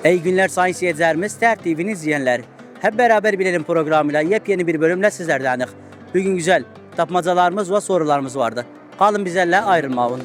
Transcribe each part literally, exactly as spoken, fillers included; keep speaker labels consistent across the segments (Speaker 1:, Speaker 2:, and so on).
Speaker 1: İyi günler sayın seyircilerimiz, T R T V'nin izleyenler. Hep beraber bilelim programıyla yepyeni bir bölümle sizlerdenik. Bugün güzel tapmacalarımız ve sorularımız vardı. Kalın bizlerle ayrılmayın.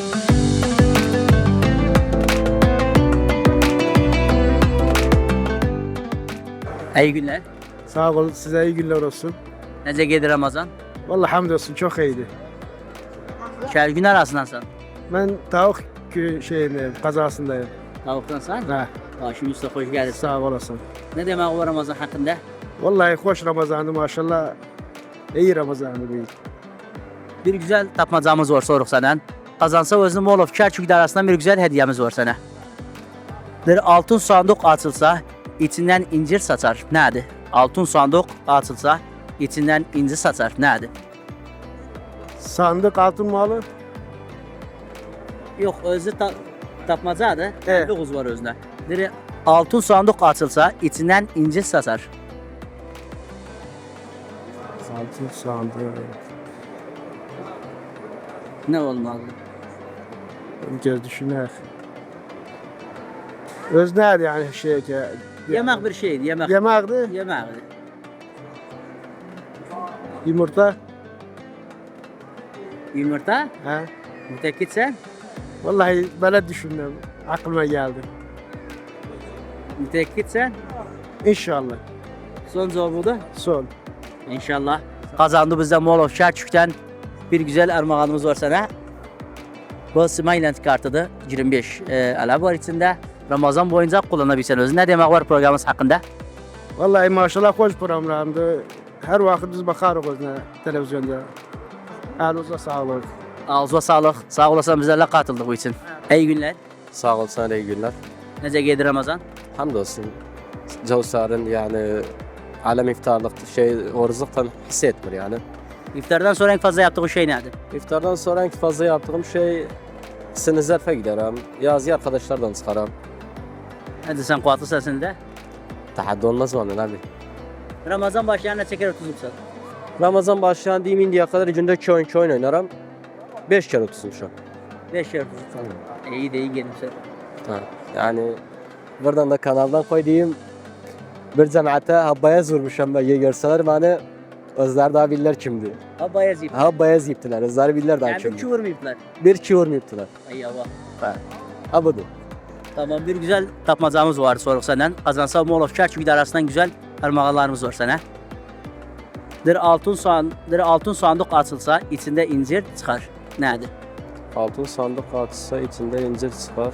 Speaker 1: İyi günler.
Speaker 2: Sağ olun, size iyi günler olsun.
Speaker 1: Nece geldi Ramazan?
Speaker 2: Vallahi hamdolsun çok iyiydi.
Speaker 1: Şer gün arasındansan.
Speaker 2: Ben tavuk kü- şeyindeyim, kazasındayım.
Speaker 1: Tavuktansan?
Speaker 2: Ha,
Speaker 1: Başım üstüne hoş geldin.
Speaker 2: sağ olasın.
Speaker 1: Ne demek o Ramazan hakkında?
Speaker 2: Vallahi hoş Ramazan'ı maşallah. İyi Ramazan'ı değil.
Speaker 1: Bir güzel tapmacamız var soruk senden. Kazansa özünü Mall of Kerkük arasından bir güzel hediyemiz var sana. Bir altın sandık açılsa içinden incir saçar. Nedir? Altın sandık açılsa içinden incir saçar. Nedir?
Speaker 2: Sandık altın malı.
Speaker 1: Yok özü ta tapmacadır. Evet.
Speaker 2: Evet.
Speaker 1: Bir var özünde. Bir altın sandık açılsa içinden incir saçar.
Speaker 2: Altın sandık.
Speaker 1: Ne olmalı?
Speaker 2: Bir kez düşüner. Öz nerede yani şey ki?
Speaker 1: Yemek bir şeydi. Yemek.
Speaker 2: Yemekti.
Speaker 1: Yemekti.
Speaker 2: Yumurta.
Speaker 1: Yumurta.
Speaker 2: Ha.
Speaker 1: Mütekkit sen.
Speaker 2: Vallahi böyle düşündüm. Aklıma geldi.
Speaker 1: Mütekkit sen.
Speaker 2: İnşallah.
Speaker 1: Son cevabı da.
Speaker 2: Son.
Speaker 1: İnşallah. Kazandı bizde Mall of Kerkük'ten bir güzel armağanımız var sana. Bu Smiland kartıdır. yirmi beş e, ala var içinde. Ramazan boyunca kullanabilirsin özü. Ne demek var programımız hakkında?
Speaker 2: Vallahi maşallah hoş programlardı. Her vakit biz bakarız özüne televizyonda. Elinize sağlık.
Speaker 1: Ağzına sağlık. Sağ olasın bizlerle katıldık bu için. İyi günler.
Speaker 3: Sağ ol, sana da iyi günler.
Speaker 1: Nece geldi Ramazan?
Speaker 3: Hamdolsun. Cevsar'ın yani alem iftarlık şey oruçluktan hissetmiyor yani.
Speaker 1: İftardan sonra en fazla yaptığı şey nedir?
Speaker 3: İftardan sonra en fazla yaptığım şey sinizlerfe giderim. Yazı arkadaşlardan çıkarım.
Speaker 1: Hadi sen kuatlı sesinde.
Speaker 3: Tahaddi olmaz mı abi?
Speaker 1: Ramazan başlayana çeker otuzluk sen.
Speaker 3: Ramazan başlayan diyeyim indiye kadar günde iki oyun iki oyun oynarım. Beş kere otuzum şu an.
Speaker 1: Beş yer otuzluk sen. İyi de iyi gelin sen.
Speaker 3: Ha. Yani buradan da kanaldan koy diyeyim. Bir cemaate habbaya vurmuşam ben görseler bana özler daha bilirler kimdi.
Speaker 1: Ha bayaz ip.
Speaker 3: Ha bayaz yiptiler. Özler bilirler daha
Speaker 1: Yani bir
Speaker 3: kimdi.
Speaker 1: çuvar mı ipler?
Speaker 3: Bir çuvar mı yiptiler?
Speaker 1: Ay Allah.
Speaker 3: Ha. Ha budur.
Speaker 1: Tamam bir güzel tapmacamız var soruk senden. Kazansa Mall of Kerkük arasından güzel armağanlarımız var sana. Bir altın soğan, bir altın sandık açılsa içinde incir çıkar. Nedir?
Speaker 3: Altın sandık açsa içinden incir çıkar.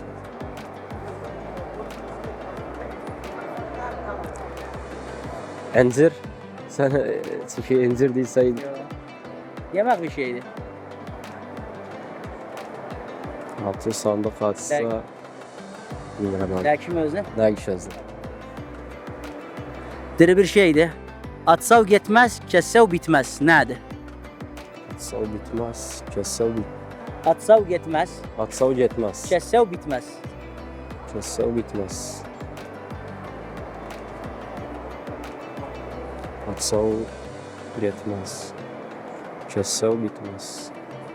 Speaker 3: İncir. Sen e, çünkü incir değilse
Speaker 1: Yemek bir şeydi.
Speaker 3: altın sandık açsa
Speaker 1: Belki.
Speaker 3: bilmiyorum abi.
Speaker 1: Belki mi özne?
Speaker 3: Ne geçiyorsun?
Speaker 1: Diri bir şeydi. Atsav gitmez, kessev bitmez. Nedir?
Speaker 3: Atsav bitmez, kessev bit.
Speaker 1: Atsav gitmez,
Speaker 3: Atsav yetmez,
Speaker 1: kessev bitmez.
Speaker 3: kessev bitmez. Atsav yetmez, kessev bitmez.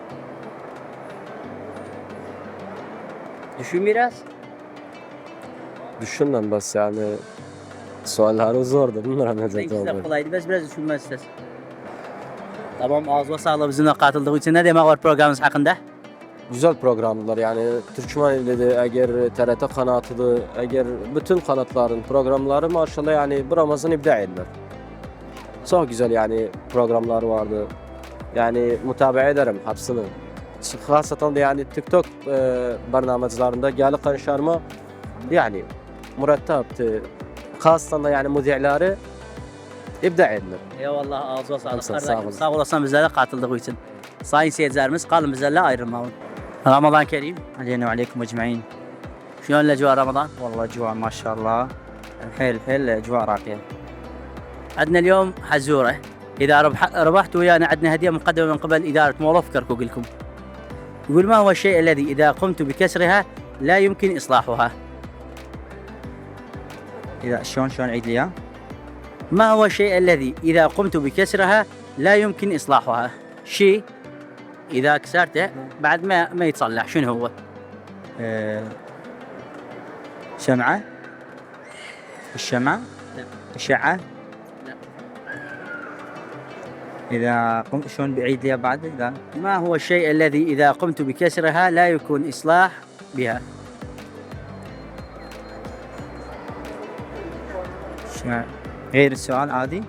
Speaker 1: Düşün biraz.
Speaker 3: Düşün lan bas yani. Soalları zordu. Bunlara ne
Speaker 1: İkisi de
Speaker 3: cevap
Speaker 1: kolaydı. Biz biraz düşünmez istedim. Tamam ağzına sağlık bizimle katıldığı için. Ne demek var programımız hakkında?
Speaker 3: Güzel programlar yani Türkmen illeri, eğer T R T kanatıdır, eğer bütün kanatların programları maşallah yani bu Ramazan ibda edilir. Çok güzel yani programlar vardı. Yani mutabaa ederim hepsini. Hasatan da yani TikTok e, barnamacılarında geldi konuşarma yani mürettepti. Hasatan da yani müdürleri ibda edilir.
Speaker 1: Eyvallah ağzına sağlık.
Speaker 3: Sağ ol,
Speaker 1: Kardeşim,
Speaker 3: sağ olun.
Speaker 1: Sağ olasın bizlerle katıldığı için. Sayın seyircilerimiz kalın bizlerle ayrılmayın. Ramazan Kerim.
Speaker 4: علينا وعليكم اجمعين.
Speaker 1: شلون الاجواء رمضان؟
Speaker 4: والله اجواء ما شاء الله حيل حيل اجواء راقيه.
Speaker 1: عندنا اليوم حزوره. اذا ربح ربحت ويانا عندنا هديه مقدمه من قبل اداره مول اوف كركوك لكم. يقول ما هو الشيء الذي اذا قمت بكسرها لا يمكن اصلاحها؟
Speaker 4: اذا شلون شلون عيد لي اياه؟
Speaker 1: ما هو الشيء الذي اذا قمت بكسرها لا يمكن اصلاحها؟ شيء اذا كسرته بعد ما ما يتصلح شنو هو؟
Speaker 4: أه... شمعه. الشمع
Speaker 1: لا.
Speaker 4: الشعة
Speaker 1: لا.
Speaker 4: إذا قمت شلون بعيد لي بعد إذا
Speaker 1: ما هو الشيء الذي إذا قمت بكسرها لا يكون إصلاح بها؟
Speaker 4: شمع غير السؤال عادي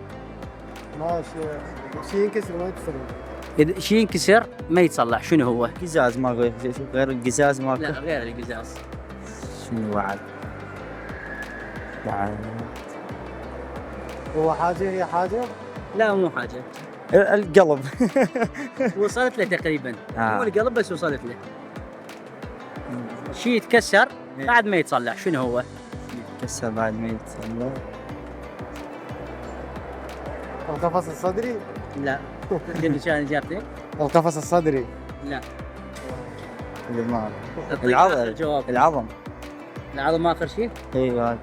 Speaker 2: ماشي شيء ينكسر ما يكسر.
Speaker 1: إذا شيء ينكسر ما يتصلح شنو هو؟
Speaker 4: قزاز ما غير غير القزاز
Speaker 1: لا
Speaker 4: ماكو
Speaker 1: غير القزاز.
Speaker 4: شنو بعد بعد
Speaker 2: هو حاجة هي حاجة.
Speaker 1: لا مو حاجة.
Speaker 4: القلب
Speaker 1: وصلت له تقريبا.
Speaker 4: آه.
Speaker 1: مو القلب بس وصلت له. شيء يتكسر بعد ما يتصلح شنو هو؟
Speaker 4: كسر بعد ما يتصلح
Speaker 2: القفص الصدري.
Speaker 1: لا. شنو كان اجابتك؟
Speaker 2: القفص الصدري.
Speaker 1: لا.
Speaker 4: الدماغ
Speaker 1: أعطيك
Speaker 4: العظم.
Speaker 1: آخر جواب.
Speaker 4: العظم
Speaker 1: العظم اخر شيء؟
Speaker 4: ايوه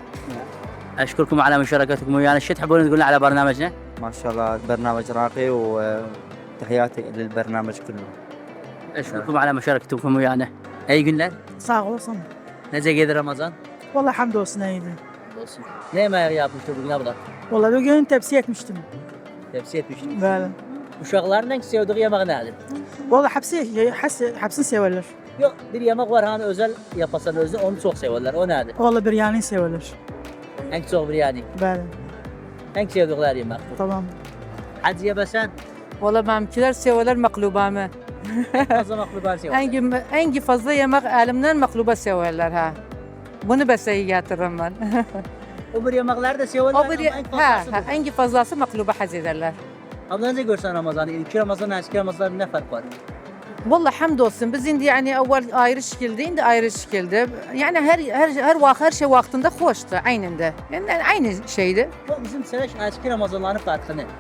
Speaker 1: اشكركم على مشاركتكم ويانا. شو تحبون تقولون على برنامجنا؟
Speaker 4: ما شاء الله برنامج راقي وتحياتي للبرنامج كله.
Speaker 1: اشكركم على مشاركتكم ويانا. اي günler?
Speaker 5: Sağ olasın.
Speaker 1: Nece geldi Ramazan?
Speaker 5: Vallahi hamdolsun iyiydi.
Speaker 1: Olsun. Ne yemeği yapmıştı bugün abla?
Speaker 5: Vallahi bugün tepsi etmiştim.
Speaker 1: Tepsi etmiştik.
Speaker 5: Böyle.
Speaker 1: Uşakların en sevdiği yemek nedir?
Speaker 5: Vallahi hepsi, hepsi, hepsini severler.
Speaker 1: Yok bir yemek var hani özel yapasan özü onu çok severler. O nedir?
Speaker 5: Vallahi biryani severler.
Speaker 1: En çok biryani.
Speaker 5: Böyle.
Speaker 1: En sevdikleri yemek.
Speaker 5: Tamam.
Speaker 1: Hadi yebesen
Speaker 6: Valla benimkiler severler maklubamı.
Speaker 1: fazla makluban severler.
Speaker 6: En, en fazla yemek elimden makluba severler ha. Bunu beseye getiririm ben.
Speaker 1: O bir yemekler de severler
Speaker 6: o
Speaker 1: ama
Speaker 6: bir,
Speaker 1: en
Speaker 6: ha,
Speaker 1: fazlası
Speaker 6: ha,
Speaker 1: bu.
Speaker 6: en fazlası makluba haz ederler.
Speaker 1: Abla nece görsen Ramazan'ı? İlk Ramazan, eski Ramazan ne fark var?
Speaker 6: Valla hamdolsun biz indi yani evvel ayrı şekilde indi ayrı şekilde. Yani her her her vakit her şey vaktinde hoştu aynında. Yani aynı şeydi.
Speaker 1: Bu bizim sene eski Ramazanların farkı ne?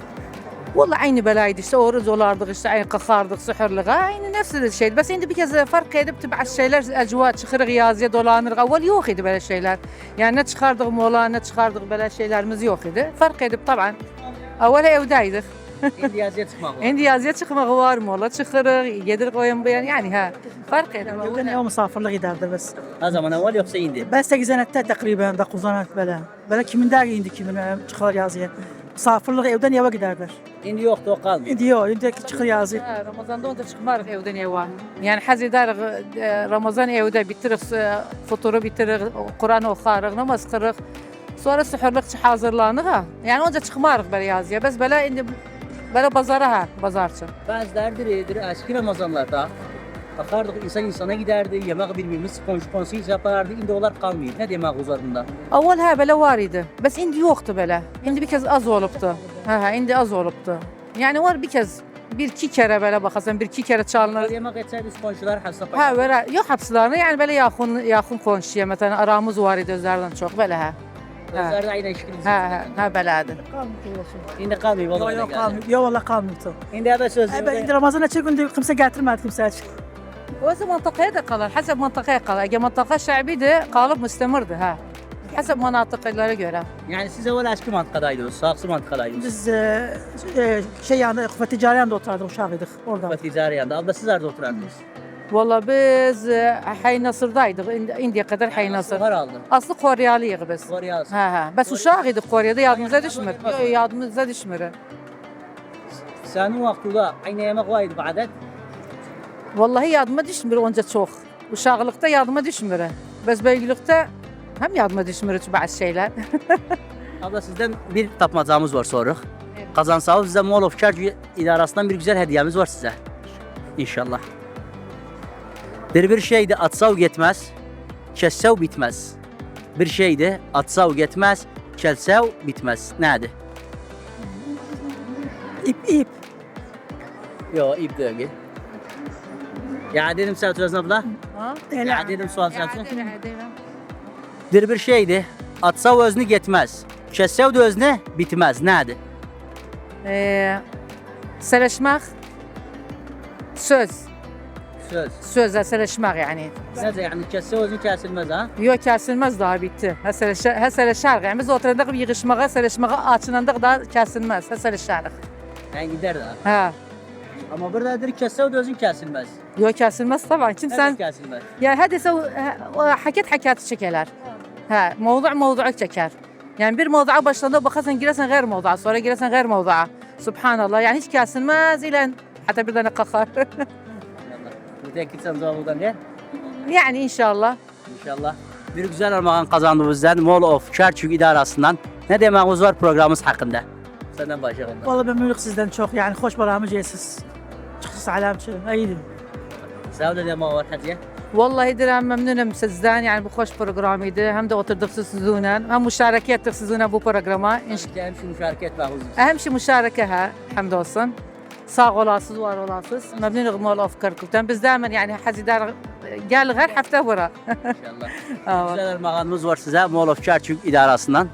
Speaker 6: Valla aynı belaydı işte oruç olardık işte aynı kakardık sühürlüğe aynı nefsi şeydi. Bes indi bir kez fark edip tibع şeyler ecva çıkırık yazıya dolanırık. Evvel yok idi böyle şeyler. Yani ne çıkardık mola ne çıkardık böyle şeylerimiz yok idi. Fark edip taban. Evvel evdeydik.
Speaker 1: Şimdi yazıya çıkmak var.
Speaker 6: Indi yazıya çıkmak var mola çıkırık yedirdik oyun beyan yani ha. Fark edip.
Speaker 5: Bugün ev misafirlik giderdi bes.
Speaker 1: O zaman evvel yoksa indi.
Speaker 5: Ben sekizdenette takriben dokuzdanette böyle. Böyle kimin der indi kimin çıkar yazıya. Misafirlik evden eve giderler.
Speaker 1: İndi yoktu o kalmıyor.
Speaker 5: İndi yok, indi çıkar yazıya.
Speaker 6: Ha, Ramazan'da onda çıkmarıq evden eva. Yani haz ederiq e, Ramazan evde bitiririk, e, futuru bitiririk, Kur'an oxarıq, namaz qırıq. Sonra sühürlük hazırlanıq ha. Yani onca çıkmarıq belə yazıya. Bəs belə indi belə bazara ha, bazarçı.
Speaker 1: Bazılardır edir eski Ramazanlarda bakardık insan insana giderdi, yemek birbirimiz komşu komşu yapardı. İndi onlar kalmıyor. Ne demek üzerinde?
Speaker 6: Avval ha belə var idi. Bəs indi yoxdur belə. İndi bir kez az olubdu. Ha ha, indi az olubdu. Yani var bir kez bir iki kere belə baxasan, bir iki kere çalınır.
Speaker 1: Yemek etseydi komşular hasta
Speaker 6: Ha, belə yox hapslarını, yəni belə yaxın yaxın qonşuya, məsələn, aramız var idi özlərindən çox belə hə.
Speaker 1: Özlerinde aynı işkili.
Speaker 6: Hə, hə, hə belədir.
Speaker 1: İndi kalmıyor.
Speaker 5: Yok
Speaker 1: vallahi
Speaker 5: yok
Speaker 1: geldi.
Speaker 5: kalmıyor. Yok vallahi kalmıyordu.
Speaker 1: İndi ebe söz.
Speaker 5: E, ben indi Ramazan'a çıkınca kimse getirmedi kimse.
Speaker 6: Özü məntəqəyə də qalar, həsəb məntəqəyə qalar. Əgər məntəqə şəbidir, qalıb müstəmirdir, hə. Həsəb mənatiqələrə görə.
Speaker 1: Yani siz evvel eski mantıkadaydınız, saksı mantıkadaydınız.
Speaker 5: Biz e, e, şey yani Kuvvet Ticari yanında oturardık uşağıydık orada.
Speaker 1: Ve ticari yanında. Abla siz nerede oturardınız?
Speaker 6: Valla biz e, Həy Nasırdaydıq, indi, indiyə qədər Həy Nasır.
Speaker 1: Var aldı.
Speaker 6: Aslı Koreyalıyıq biz.
Speaker 1: Var yaz.
Speaker 6: Hə, hə. Bəs uşaq idik Koreyada, yadımıza düşmür. Yox, yadımıza düşmür.
Speaker 1: Senin vaktinde aynı yemek vardı bu adet.
Speaker 6: Vallahi yadıma düşmür onca çox. Uşaqlıqda yadıma düşmür. Bəs böyüklükdə həm yadıma düşmür bazı şeylər.
Speaker 1: Abla sizden bir tapmacamız var soruq. Kazansanız size Mall of Charge idarəsindən bir güzel hediyemiz var size. İnşallah. Bir bir şeydi atsav getməz, kəssav bitməz. Bir şeydi atsav getməz, kəlsav bitməz. Nədir?
Speaker 5: İp ip.
Speaker 1: Yo, ip değil. Ya dedim sen oturasın abla.
Speaker 6: Ha?
Speaker 1: Ya dedim sual sen.
Speaker 6: Deyirəm.
Speaker 1: Bir bir şeydi atsav özünü getməz, kəssav da özünü bitməz. Nədir?
Speaker 6: Eee, Sələşmək, söz,
Speaker 1: Söz.
Speaker 6: sözlə sələşmək yəni.
Speaker 1: Necə yani kəssav özünü kəsilməz ha?
Speaker 6: Yox, kəsilməz daha bitti. Həsələşər, həsələşər. Yəni biz oturandıq yığışmağa, sələşməyə açınandıq da kəsilməz, həsələşərik.
Speaker 1: Yani gider de.
Speaker 6: Hə.
Speaker 1: Ama burada dedik kəssav da özün kəsilməz.
Speaker 6: Yox, kəsilməz tabii. Kimsən,
Speaker 1: Kəsilməz.
Speaker 6: yəni hədisə o həkət həkəti çəkələr. Ha, mevzu mevzuyu çeker. Yani bir mevzuya başladığında bakarsan girersen gayr mevzuya, sonra girersen gayr mevzuya. Subhanallah, yani hiç kesilmez ile hatta bir tane kakar.
Speaker 1: Mütekkilsen cevabından ne?
Speaker 6: Yani inşallah.
Speaker 1: İnşallah. Bir güzel armağan kazandığımızdan Mall of Kerkük idarəsindən ne dememiz var programımız hakkında? Senden başlayalım.
Speaker 5: Vallahi ben memnunum sizden çok yani hoş baramı cesiz. Çok salamçı. İyiydim.
Speaker 1: Sağ olun demek var Hatice.
Speaker 6: Vallahi direm memnunum sizden yani bu hoş programıydı. Hem de oturduk sizinle hem müşareke ettik sizinle bu programa. İnş-
Speaker 1: Hem şu müşareke etmek huzur.
Speaker 6: Ehem şey müşareke ha hamdolsun. Sağ olasınız, var olasınız. Memnunum Mall of Kerkük'ten. Biz daima yani hazidar gel her hafta bura.
Speaker 1: İnşallah.
Speaker 6: Evet.
Speaker 1: Güzel armağanımız var size Mall of Kerkük idarəsindən.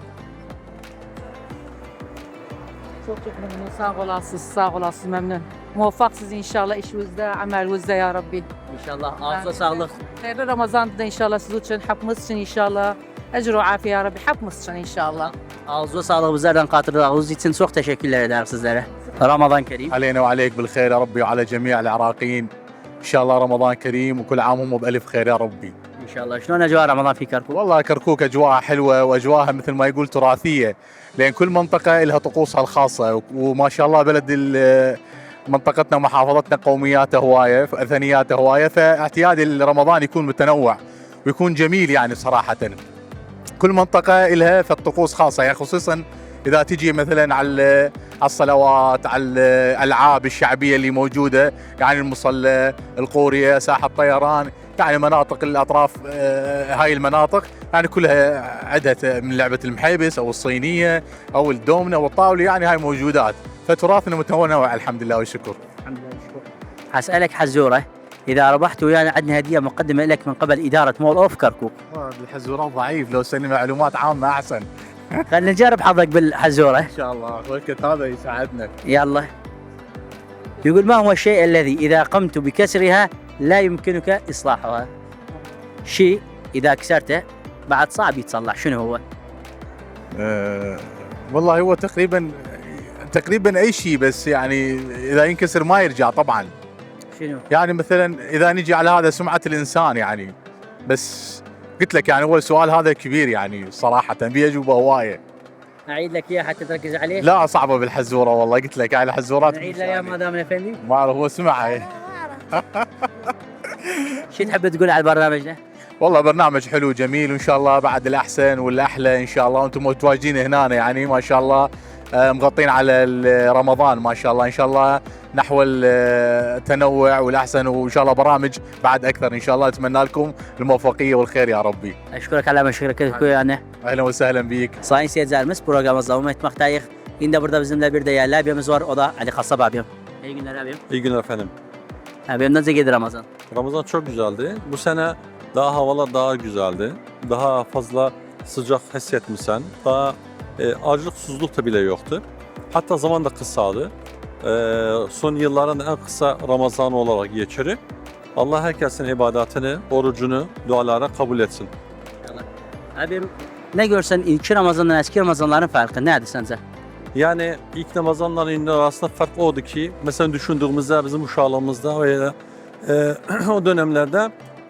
Speaker 6: Çok çok memnun. Sağ olasınız, sağ olasınız memnun. Muvaffaksınız inşallah işinizde, amelinizde ya Rabbi.
Speaker 1: İnşallah. Ağzına sağlık.
Speaker 6: Hayırlı Ramazan'da inşallah siz için, hepimiz için inşallah. Ecru afiye ya Rabbi, hepimiz için inşallah.
Speaker 1: Ağzına sağlık bizlerden katıldığınız için çok teşekkürler ederim sizlere. Ramazan Kerim.
Speaker 7: علينا وعليك بالخير يا ربي وعلى جميع العراقيين ان شاء الله رمضان كريم وكل عام هم بالف خير يا ربي.
Speaker 1: İnşallah. شلون أجواء رمضان في كركوك؟
Speaker 7: والله كركوك اجواءها حلوه واجواءها مثل ما يقول تراثيه لان كل منطقه لها طقوسها الخاصه وما شاء الله بلد ال- منطقتنا ومحافظتنا قومياتها هوايه اثنياتها هوايه فاعتياد رمضان يكون متنوع ويكون جميل يعني صراحه. كل منطقه لها فالطقوس خاصه يعني خصوصا اذا تجي مثلا على على الصلوات على الالعاب الشعبيه اللي موجوده يعني المصلى القوريه ساحه طيران يعني مناطق الاطراف آه، هاي المناطق يعني كلها عدها من لعبه المحيبس او الصينيه او الدومنه والطاوله يعني هاي موجودات فتراثنا متنوع الحمد لله والشكر.
Speaker 1: الحمد لله شكرا. هسألك حزورة إذا ربحت ويانا عندنا هدية مقدمة لك من قبل إدارة مول أوف كركوك.
Speaker 7: الحزورات ضعيف لو سني معلومات عامه احسن.
Speaker 1: خلينا نجرب حظك بالحزورة.
Speaker 7: ان شاء الله وقت هذا يساعدنا.
Speaker 1: يلا. يقول ما هو الشيء الذي إذا قمت بكسرها لا يمكنك إصلاحها؟ شيء إذا كسرته بعد صعب يتصلح، شنو هو؟
Speaker 7: أه والله هو تقريبا تقريبا اي شيء بس يعني اذا ينكسر ما يرجع طبعا.
Speaker 1: شنو؟
Speaker 7: يعني مثلا اذا نجي على هذا سمعه الانسان يعني بس قلت لك يعني هو السؤال هذا كبير يعني صراحه في اجوبه هوايه.
Speaker 1: أعيد لك إياه حتى تركز عليه؟
Speaker 7: لا صعبه بالحزوره والله قلت لك يعني الحزورات
Speaker 1: نعيد لك إياه مدام الأفندي؟
Speaker 7: ما اعرف هو سمعها.
Speaker 1: شو تحب تقول على البرنامج ده؟
Speaker 7: والله برنامج حلو جميل وان شاء الله بعد الاحسن والاحلى ان شاء الله وانتم متواجدين هنا يعني ما شاء الله آه، مغطين على ال- رمضان ما شاء الله ان شاء الله نحو التنوع والاحسن وان شاء الله برامج بعد اكثر ان شاء الله اتمنى لكم الموفقيه والخير يا ربي.
Speaker 1: أشكرك على مشاركتك ويانا.
Speaker 7: اهلا وسهلا بيك.
Speaker 1: Sayın seyircilerimiz programımızda devam etmektayız. Yine burada bizimle bir değerli abimiz var. O da Ali Kassab abim. İyi günler abim.
Speaker 8: İyi günler efendim.
Speaker 1: Abim nasıl gidiyor Ramazan?
Speaker 8: Ramazan çok güzeldi. Bu sene daha havalar daha güzeldi. Daha fazla sıcak hissetmişsen. Daha e, acılık susuzluk da bile yoktu. Hatta zaman da kısaldı. E, son yılların en kısa Ramazan olarak geçirir. Allah herkesin ibadetini, orucunu, dualara kabul etsin.
Speaker 1: Abim ne görsen ilk Ramazan'dan eski Ramazanların farkı nedir sence?
Speaker 8: Yani ilk Ramazanların arasında fark oldu ki mesela düşündüğümüzde bizim uşağlığımızda ve e, o dönemlerde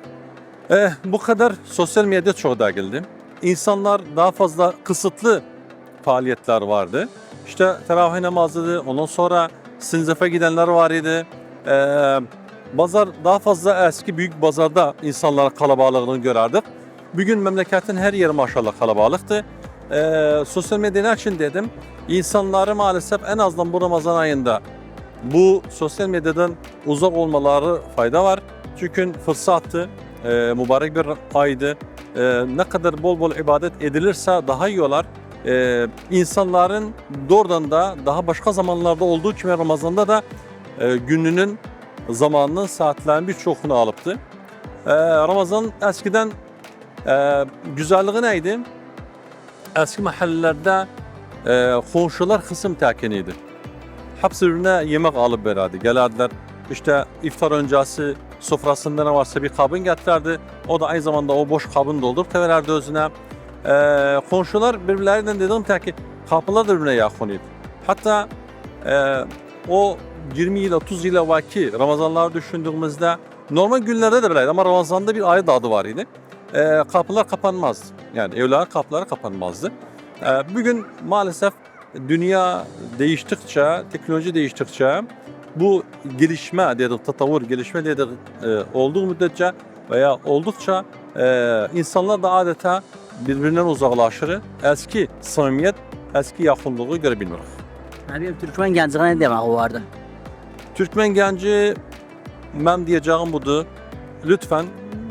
Speaker 8: e, bu kadar sosyal medya çok değildi. İnsanlar daha fazla kısıtlı faaliyetler vardı. İşte teravih namazıydı, ondan sonra sinzefe gidenler var idi. E, Bazar daha fazla eski büyük pazarda insanlar kalabalığını görerdik. Bugün memleketin her yeri maşallah kalabalıktı. Ee, sosyal medya için dedim. İnsanları maalesef en azından bu Ramazan ayında bu sosyal medyadan uzak olmaları fayda var. Çünkü fırsattı, e, mübarek bir aydı. E, ne kadar bol bol ibadet edilirse daha iyi olur. E, insanların doğrudan da daha başka zamanlarda olduğu gibi Ramazan'da da e, gününün, zamanının, saatlerinin birçokunu alıptı. E, Ramazan eskiden e, güzelliği neydi? Eski mahallelerde e, komşular kısım tekiniydi. Hepsi birbirine yemek alıp verirdi. Gelirdiler işte iftar öncesi sofrasında ne varsa bir kabın getirirdi. O da aynı zamanda o boş kabını doldurup da verirdi özüne. E, komşular birbirlerinden dedim ki kapılar da birbirine yakınıydı. Hatta e, o yirmi yıl otuz yıl evvelki Ramazanları düşündüğümüzde normal günlerde de böyleydi ama Ramazan'da bir ayrı adı var idi. e, kapılar kapanmazdı. Yani evler kapıları kapanmazdı. E, bugün maalesef dünya değiştikçe, teknoloji değiştikçe bu gelişme dedik, tatavvur gelişme dedik e, olduğu müddetçe veya oldukça e, insanlar da adeta birbirinden uzaklaşır. Eski samimiyet, eski yakınlığı görebilmiyor.
Speaker 1: Abi Türkmen gəncliğine ne demek vardı?
Speaker 8: Türkmen genci, ben diyeceğim budur. Lütfen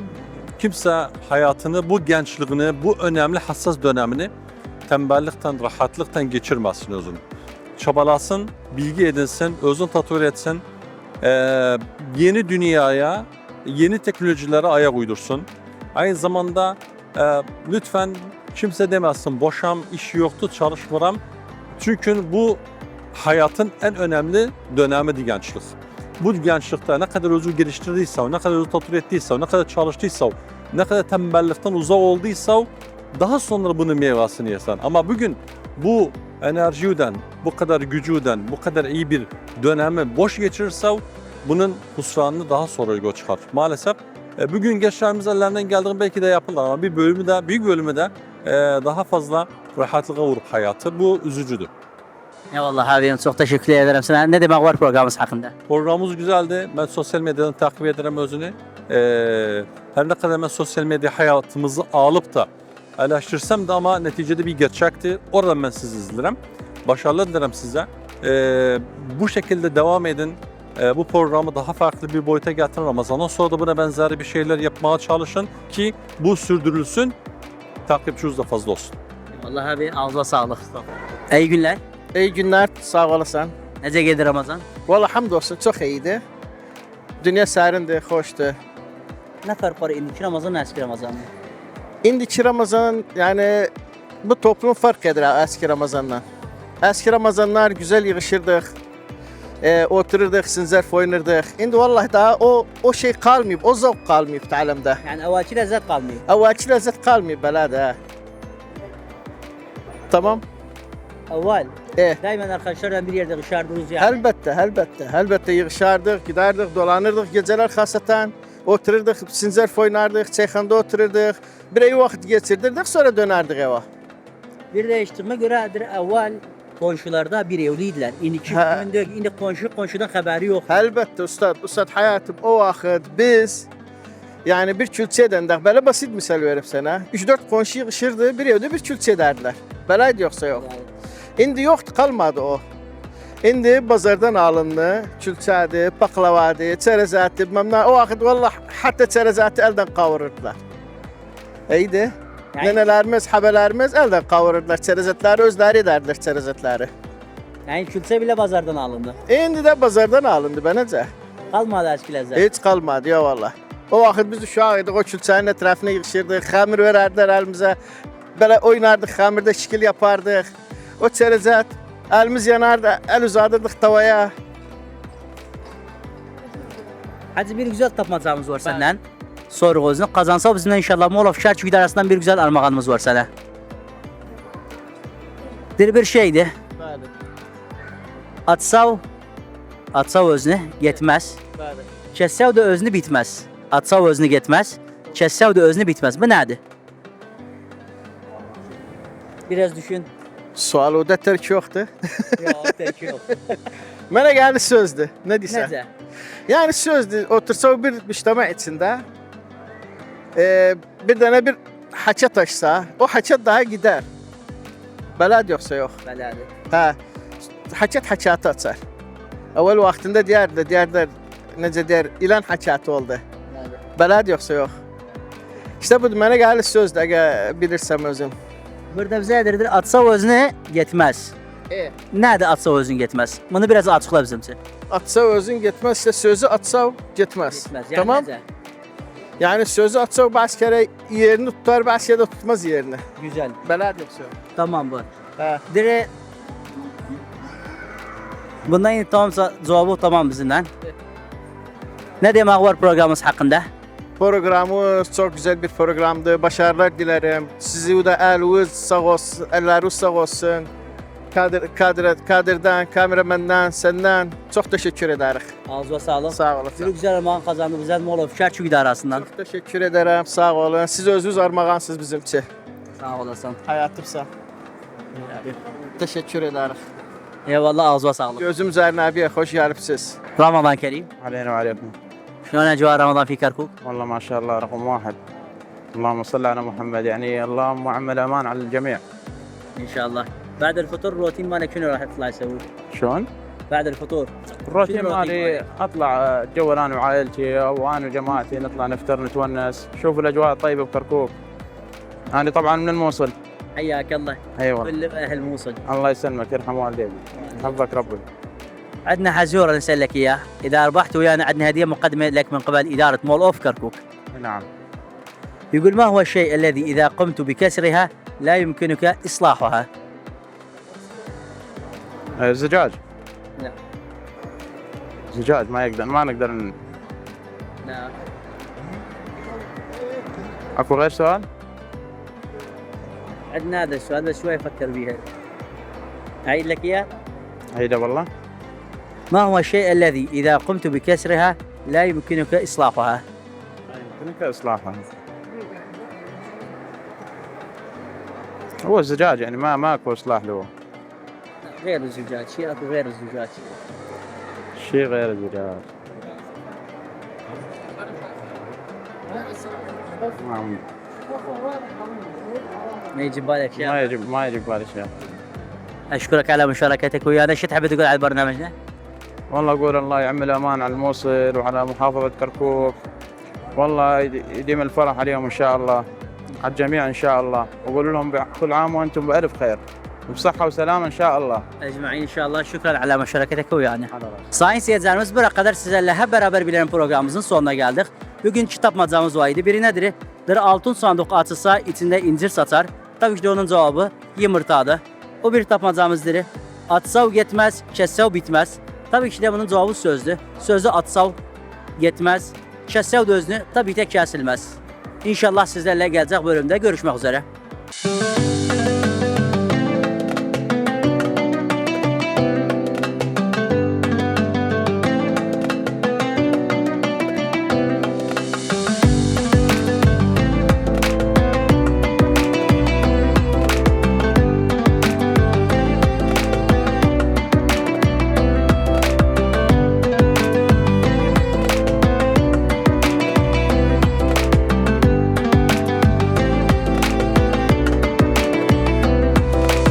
Speaker 8: kimse hayatını, bu gençliğini, bu önemli hassas dönemini tembellikten, rahatlıktan geçirmesin özünü. Çabalasın, bilgi edinsin, özünü tatmin etsin. Ee, yeni dünyaya, yeni teknolojilere ayak uydursun. Aynı zamanda e, lütfen kimse demesin boşam, iş yoktu, çalışmıram. Çünkü bu hayatın en önemli dönemidir gençlik. Bu gençlikte ne kadar özü geliştirdiyse, ne kadar özü tatmin ettiyse, ne kadar çalıştıysa, ne kadar tembellikten uzak olduysa daha sonra bunun meyvasını yesen. Ama bugün bu enerjiden, bu kadar gücüden, bu kadar iyi bir dönemi boş geçirirse bunun husranını daha sonra yol çıkar. Maalesef e, bugün gençlerimiz ellerinden geldiği belki de yapırlar ama bir bölümü de, büyük bölümü de e, daha fazla rahatlığa vurup hayatı. Bu üzücüdür.
Speaker 1: Eyvallah abim, çok teşekkür ederim sana. Ne demek var programımız hakkında?
Speaker 8: Programımız güzeldi. Ben sosyal medyadan takip ederim özünü. Ee, her ne kadar ben sosyal medya hayatımızı alıp da eleştirsem de ama neticede bir gerçekti. Oradan ben sizi izlerim. Başarılar dilerim size. Ee, bu şekilde devam edin. Ee, bu programı daha farklı bir boyuta getirin. Ramazan'dan sonra da buna benzer bir şeyler yapmaya çalışın ki bu sürdürülsün. Takipçiniz de fazla olsun.
Speaker 1: Eyvallah abi, ağzına sağlık. İyi günler.
Speaker 2: İyi günler, sağ olasın.
Speaker 1: Nece geldi Ramazan?
Speaker 2: Valla hamdolsun çok iyiydi. Dünya serindi, hoştu.
Speaker 1: Ne fark var indiki Ramazan, eski Ramazan mı?
Speaker 2: İndiki Ramazan yani bu toplum fark eder eski Ramazan'dan. Eski Ramazanlar güzel yığışırdık. E, otururduk, sinzerf oynardık. Şimdi vallahi daha o o şey kalmıyor, o zevk kalmıyor talimde.
Speaker 1: Yani evvelki lezzet kalmıyor.
Speaker 2: Evvelki lezzet kalmıyor belada. Tamam.
Speaker 1: Evvel,
Speaker 2: E,
Speaker 1: daima arkadaşlarla bir yerde dışarıdayız yani.
Speaker 2: elbette, elbette, elbette yığışardık, giderdik, dolanırdık geceler hasatan. Otururduk, sinzerf oynardık, çayxanda otururduk. Bir iyi vakit geçirdirdik, sonra dönerdik eve.
Speaker 1: Bir değiştirme göredir evvel komşularda bir evliydiler. İndiki
Speaker 2: Ha.
Speaker 1: kimin diyor ki indi komşu komşudan haberi yok.
Speaker 2: Elbette ustad, ustad hayatım o vakit biz yani bir külçe edendik. Böyle basit misal verip sana. üç dört komşu yığışırdı, bir evde bir külçe ederdiler. Belaydı yoksa yok. İndi yoktu, kalmadı o. İndi bazardan alındı, külçədi, baklavadı, çerezatı, bilmem ne. O vakit vallahi hatta çerezatı elden kavururdular. İyiydi.
Speaker 1: Yani-
Speaker 2: Nenelerimiz, habelerimiz elden kavururdular. Çerezatları özleri ederdiler çerezatları.
Speaker 1: Yani külse bile pazardan alındı.
Speaker 2: İndi de bazardan alındı bence.
Speaker 1: Kalmadı eski lezzet.
Speaker 2: Hiç kalmadı ya vallahi. O vakit biz uşağıydık, o külçənin etrafına yığışırdık, hamur vererdiler elimize. Böyle oynardık, hamurda şekil yapardık. O çerezat, elimiz yanardı, el uzadırdık tavaya.
Speaker 1: Hadi bir güzel tapmacamız var senden. Soru özünü kazansa bizimle inşallah Molov Şərçük idarəsindən bir güzel armağanımız var sana. Bir bir şeydi.
Speaker 2: Bəli,
Speaker 1: Atsav, atsav özünü getməz.
Speaker 2: bəli.
Speaker 1: Kəssav da özünü bitməz. Atsav özünü getməz. Kəssav da özünü bitməz. Bu nədir? Biraz düşün.
Speaker 2: Sual o da terk yoktu.
Speaker 1: Yox, tək yox.
Speaker 2: Mənə gəldi sözdü. Ne deyirsən?
Speaker 1: Necə?
Speaker 2: Yani sözdü. Otursa bir müştəmə içində e, bir dənə bir haça taşsa, o haça daha gider. Beləd yoxsa yox.
Speaker 1: Belədir.
Speaker 2: Hə. Haçat haçatı açar. Əvvəl vaxtında deyərdilər, deyərdilər necə deyər, ilan haçatı oldu.
Speaker 1: Belədir.
Speaker 2: Beləd yoxsa yox. İşte bu mənə gəlir sözdü, əgər bilirsəm özüm.
Speaker 1: Burada bizə edirdir, atsav özünü getməz.
Speaker 2: E.
Speaker 1: Nədir atsav özünü getməz? Bunu biraz açıqla bizim üçün.
Speaker 2: Atsa özün getməz, işte sözü atsa getməz.
Speaker 1: Getməz. Yəni
Speaker 2: Tamam?
Speaker 1: necə?
Speaker 2: Yani sözü atsa bəzi kere yerini tutar, bəzi kere de tutmaz yerini.
Speaker 1: Güzel.
Speaker 2: Beləd yoxsa yox.
Speaker 1: Tamam bu.
Speaker 2: Hə.
Speaker 1: Dire bundan yine tamamsa cevabı tamam bizimle. Ne demek var programımız hakkında?
Speaker 2: Programımız çok güzel bir programdı. Başarılar dilerim. Sizi de eliniz sağ olsun, elleriniz sağ olsun. Kadir, Kadir, Kadir'den, kameramenden, senden çok teşekkür ederiz.
Speaker 1: Ağzına sağlık.
Speaker 2: Sağ
Speaker 1: Bir
Speaker 2: olasın.
Speaker 1: güzel armağan kazandığımız Molov Kerçük İdarası'ndan.
Speaker 2: Çok teşekkür ederim. Sağ olun. Siz özünüz armağansınız bizim için.
Speaker 1: Sağ olasın.
Speaker 2: Hayatımsa. Teşekkür ederiz.
Speaker 1: Eyvallah, ağzına sağlık.
Speaker 2: Gözüm üzerine abiye hoş gelipsiz.
Speaker 1: Ramazan Kerim.
Speaker 9: علينا وعليكم
Speaker 1: شلون أجواء رمضان في كركوك؟
Speaker 9: والله ما شاء الله رقم واحد اللهم صل على محمد يعني اللهم عمل امان على الجميع
Speaker 1: إن شاء الله. بعد الفطور الروتين مالك شنو راح تطلع تسوي؟
Speaker 9: شلون؟
Speaker 1: بعد الفطور
Speaker 9: الروتين
Speaker 1: شنو الروتين
Speaker 9: مالي
Speaker 1: مالك؟
Speaker 9: اطلع اتجول انا وعائلتي او انا وجماعتي نطلع نفطر نتونس شوف الاجواء الطيبه بكركوك انا طبعا من الموصل
Speaker 1: حياك الله.
Speaker 9: ايوه
Speaker 1: كل أهل موصل.
Speaker 9: الله يسلمك يرحم والديك حفظك ربي
Speaker 1: عندنا حزورة نسألك إياه، إذا ربحت ويانا عندنا هدية مقدمة لك من قبل إدارة مول أوف كركوك.
Speaker 9: نعم
Speaker 1: يقول ما هو الشيء الذي إذا قمت بكسرها لا يمكنك إصلاحها؟
Speaker 9: آه، زجاج
Speaker 1: لا.
Speaker 9: زجاج ما يقدر ما نقدر ن-
Speaker 1: لا.
Speaker 9: اكو غير سؤال؟
Speaker 1: عندنا هذا السؤال بس شوي فكر بيها. أعيد لك إياه.
Speaker 9: هيدا والله
Speaker 1: ما هو الشيء الذي إذا قمت بكسرها لا يمكنك إصلاحها؟
Speaker 9: يمكنك اصلاحها هو الزجاج يعني ما ما اكو اصلاح له
Speaker 1: غير الزجاج، شيء أكو غير الزجاج.
Speaker 9: شيء غير الزجاج ما
Speaker 1: ما يجي بالك شيء.
Speaker 9: ما يجي ما يجي ببالي شيء
Speaker 1: أشكرك على مشاركتك ويانا، شو تحب تقول على برنامجنا؟
Speaker 9: والله اقول الله يعمل امان على الموصل وعلى محافظه كركوك والله يد- يديم الفرح عليهم ان شاء الله على الجميع ان شاء الله واقول لهم كل عام وانتم بالف خير وبصحه وسلامه ان شاء الله
Speaker 1: Ecmaîn inşallah. Şükran ala meşareketek uyana.
Speaker 9: على راسي.
Speaker 1: Sayın seyircilerimiz, buraya kadar sizlerle hep beraber bilen programımızın sonuna geldik. Bugün kitapmacamız var idi. Biri nedir? Bir altın sandık açılsa içinde incir satar. Tabii ki de onun cevabı yumurtadır. O bir tapmacamızdır. Atsav yetmez, kessev bitmez. Tabii ki de bunun cevabı sözdür. Sözü atsav yetmez, kessev de özünü tabii ki de kesilmez. İnşallah sizlerle gelecek bölümde görüşmek üzere.